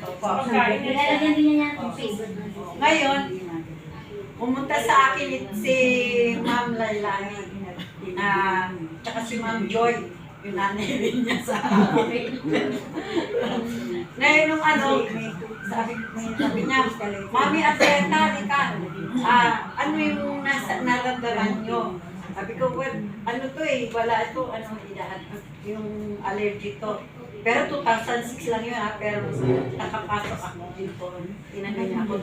Nilalagyan din niya yung favorite. Ngayon, pumunta sa akin si Ma'am Lailani, tsaka si Ma'am Joy, yung nanay rin niya sa akin. Ngayon nung sabi niya, Mami Atleta, ka, ano yung naramdaman nyo? Sabi ko, well, ano to wala ito, yung allergy to. Pero 2006 lang yun pero nakapasok ako dito. Tinanong niya ako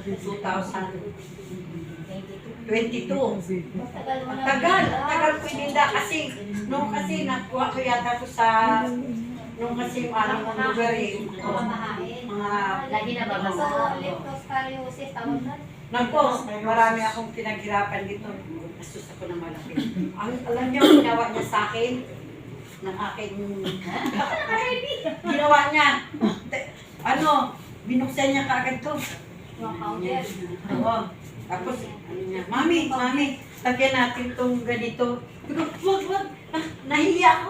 2022. Ang tagal ko ininda kasi, kasi nakuha ko yata ko sa, nung kasi yung alam kong lugar mga Lagi na ba? So, leptospirosis, tawag na? Nako, marami akong pinaghirapan dito. Nasus ako ng malaki. Alam niyo, ginawa niya sa akin, ng aking ginawa niya. Binuksan niya kaagad to. Oo. Tapos, Mami, lagyan natin itong ganito. Wag. Nahiya ako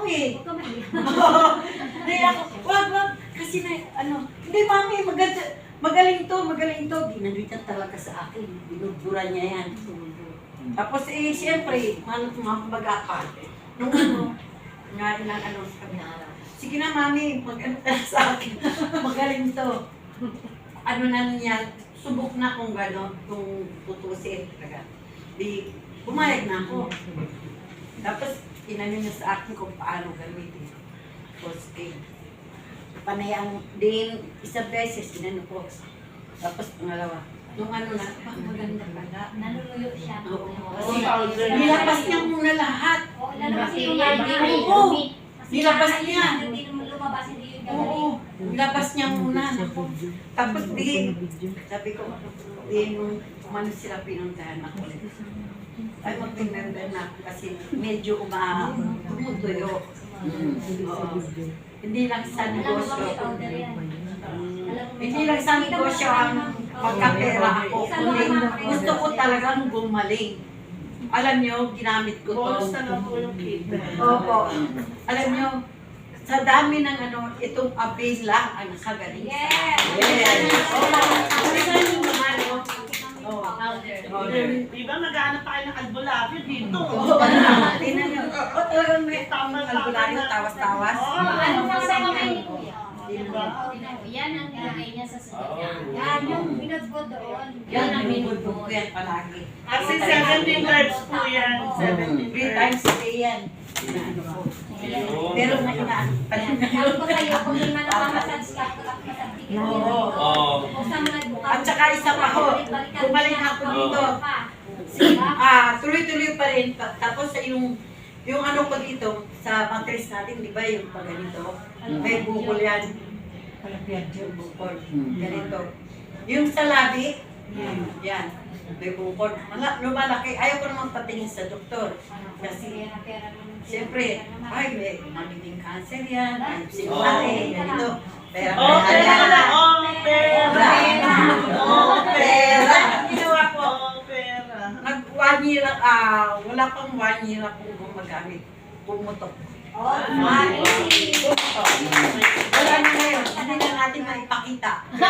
Nahiya ako. Wag. Kasi hindi Mami, magaling to. Ginalitan talaga sa akin. Binubura niya yan. Tapos siyempre, mag-akal. Nung sige na Mami, mag-ano ka sa akin. Magaling to. Niya, subok na kung gano'n, kung tutusin. Di, pumayag na ako. Tapos, tinanong niya sa akin kung paano gamitin. Tapos, panayang din, isang beses, inano ko. Tapos, pangalawa, nung maganda pala. Nanunuyo siya. Nilabas niya muna lahat. Lalabas niya Nilabas niya. Hindi lumabas, hindi yung gagawin. Oo, nilabas niya muna. Tapos sabi ko, nung umano sila pinuntahan ako. Ay, mag-remember na ako kasi medyo tumutuyo. Hindi lang sa negosyo. Hindi lang sa negosyo ang pagkapera ako. Gusto ko talagang gumaling. Alam niyo, ginamit ko to. Bonus na lang po yung kita. Opo. Alam niyo, sa dami ng itong avail lang ang nakagaling. Yes! Di ba mag-aanap pa kayo ng albularyo dito? Tingnan niyo. Talagang may albularyo, tawas-tawas. Ano na sa kamay ni Kuya? Diba? Yan ang nilagay niya sa sasakyan. Yan yung binudbod doon. Yan ang binubog ko yan palagi. Kasi 17 times po yan. 17 3 times a day yan. Pero nainaan pa rin Sabi ko sa'yo, kung hindi man nakamassage ka, massage ka. Oo. At saka isa pa ho, bumalik ako dito. Tuloy-tuloy pa rin. Tapos yung ko dito, sa mattress natin, di ba yung pag ganito, may bukol yan. Yung bukol. Ganito. Yung sa labi, yan. May bukol. Lumalaki. Ayaw ko naman patingin sa doktor. Kasi, siyempre, may magiging cancer yan. Ay, sigurate, ganito. Pera. Pera. Ginawa ko. Nag-1 year, wala pang 1 year akong gumagamit. Pumutok. Wala na ngayon. Hindi na natin maipakita.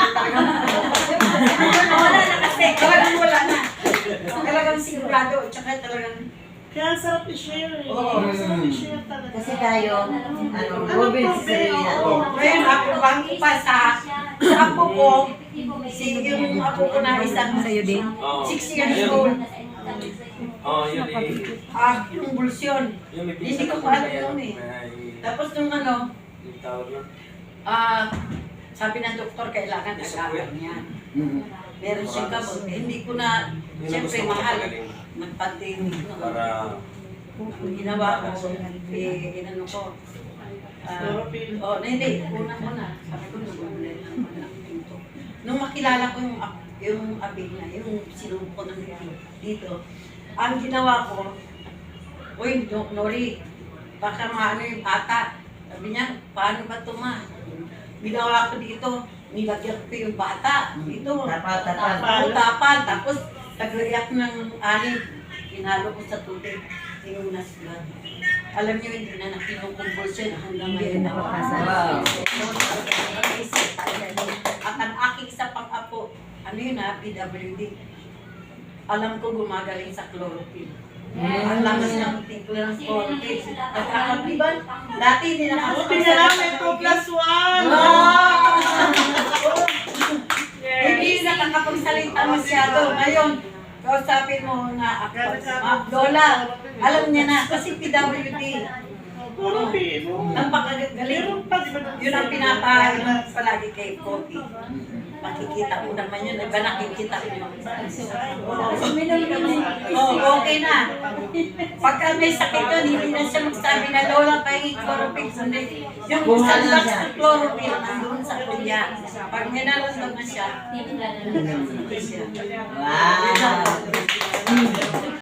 Wala na kasi. Talagang wala na. Talagang sigurado. Tsaka talagang Kaya sarap i-share. Sarap i-share talaga. Kasi tayo, Robin, si ngayon ako bang pa sa apo ko, yung apo ko na isang sa'yo din, 6 years old. Yun Yung bulsyon. Hindi ko pa alam yun Tapos nung yung tawag lang. sabi ng doktor, kailangan agapan niya. Meron siyang gamot. Hindi ko na, siyempre mahal. Nagpatinig no. Para Ginawa ko, inano ko. Hindi, una ko na. Sabi ko, nag-uulay naman ang pinto. Nung makilala ko yung abig na, yung sinubo ko ng dito, ang ginawa ko, uy, Nori, baka maano yung bata. Sabi niya, paano ba ito ma? Ginawa ko dito, nilagyan ko yung bata. Dito, tapal. Tapos, naglayak ng alib. Pinalo ko sa tubig. Inunas blood. Alam niyo, hindi na nakinukumbulsyon hanggang ngayon nakakasal. At ang aking yun ha, PWD. Alam ko gumagaling sa chlorophyll. Ang lakas ng timpla ng chlorophyll. Nagkakabiban. Dati hindi Buti na lang may 2+1. Hindi nakakapagsalita masyado. Ngayon, kausapin mo nga ako. Lola, alam niya na kasi PWD. Puro pino. Napakagaling. Meron pa, di ba? Yun ang pinapahain palagi kay Kopi. Makikita mo naman yun. Iba nakikita mo yun. Okay na. Pagka may sakit yun, hindi na siya magsabi na lola pahingin chlorophyll. Kundi yung isang box ng chlorophyll nandun sa kuya. Pag may nararamdaman siya, hindi siya. Wow.